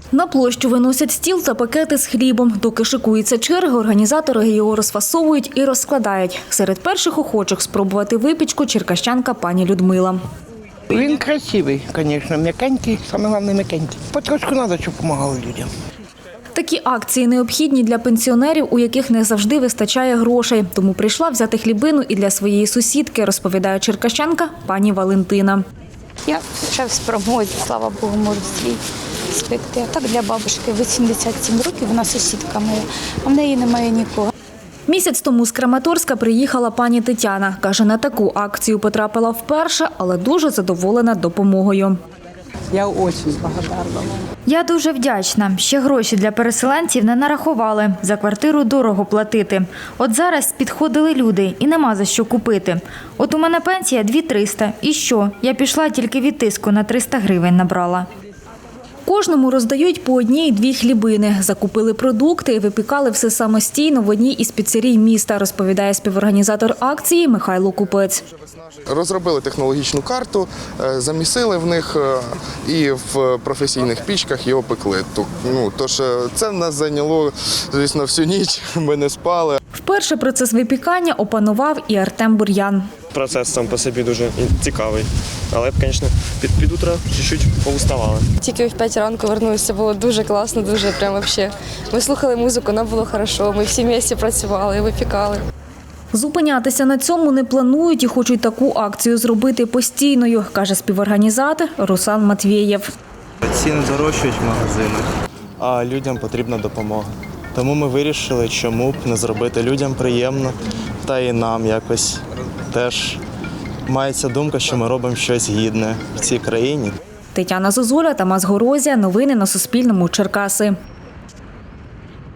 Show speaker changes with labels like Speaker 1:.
Speaker 1: На площу виносять стіл та пакети з хлібом. Доки шикується черга, організатори його розфасовують і розкладають. Серед перших охочих спробувати випічку черкащанка пані Людмила.
Speaker 2: Він красивий, звісно, м'якенький, саме головне м'якенький. Потрошку треба, щоб допомагали людям.
Speaker 1: Такі акції необхідні для пенсіонерів, у яких не завжди вистачає грошей. Тому прийшла взяти хлібину і для своєї сусідки, розповідає черкащанка пані Валентина.
Speaker 3: Я ще в спромозі, слава Богу, можу свій спекти. А так для бабушки 87 років, вона сусідка моя, а в неї немає нікого.
Speaker 1: Місяць тому з Краматорська приїхала пані Тетяна. Каже, на таку акцію потрапила вперше, але дуже задоволена допомогою.
Speaker 4: Я дуже благодарна.
Speaker 5: Я дуже вдячна. Ще гроші для переселенців не нарахували. За квартиру дорого платити. От зараз підходили люди і нема за що купити. От у мене пенсія 2300. І що? Я пішла тільки від тиску на 300 гривень набрала.
Speaker 1: Кожному роздають по 1-2 хлібини. Закупили продукти і випікали все самостійно в одній із піцерій міста, розповідає співорганізатор акції Михайло Купець.
Speaker 6: Розробили технологічну карту, замісили в них і в професійних пічках його пекли. Тож це в нас зайняло, звісно, всю ніч, ми не спали.
Speaker 1: Вперше процес випікання опанував і Артем Бур'ян.
Speaker 7: Процес сам по собі дуже цікавий, але, звісно, під утро чуть-чуть поуставали.
Speaker 8: Тільки в 5 ранку вернулися, було дуже класно, дуже прямо взагалі. Ми слухали музику, нам було добре, ми всі місті працювали, випікали.
Speaker 1: Зупинятися на цьому не планують і хочуть таку акцію зробити постійною, каже співорганізатор Руслан Матвєєв.
Speaker 9: Ціни дорожчають в магазинах, а людям потрібна допомога. Тому ми вирішили, чому б не зробити людям приємно, та і нам якось теж мається думка, що ми робимо щось гідне в цій країні.
Speaker 1: Тетяна Зозуля, Тамас Горозія. Новини на Суспільному. Черкаси.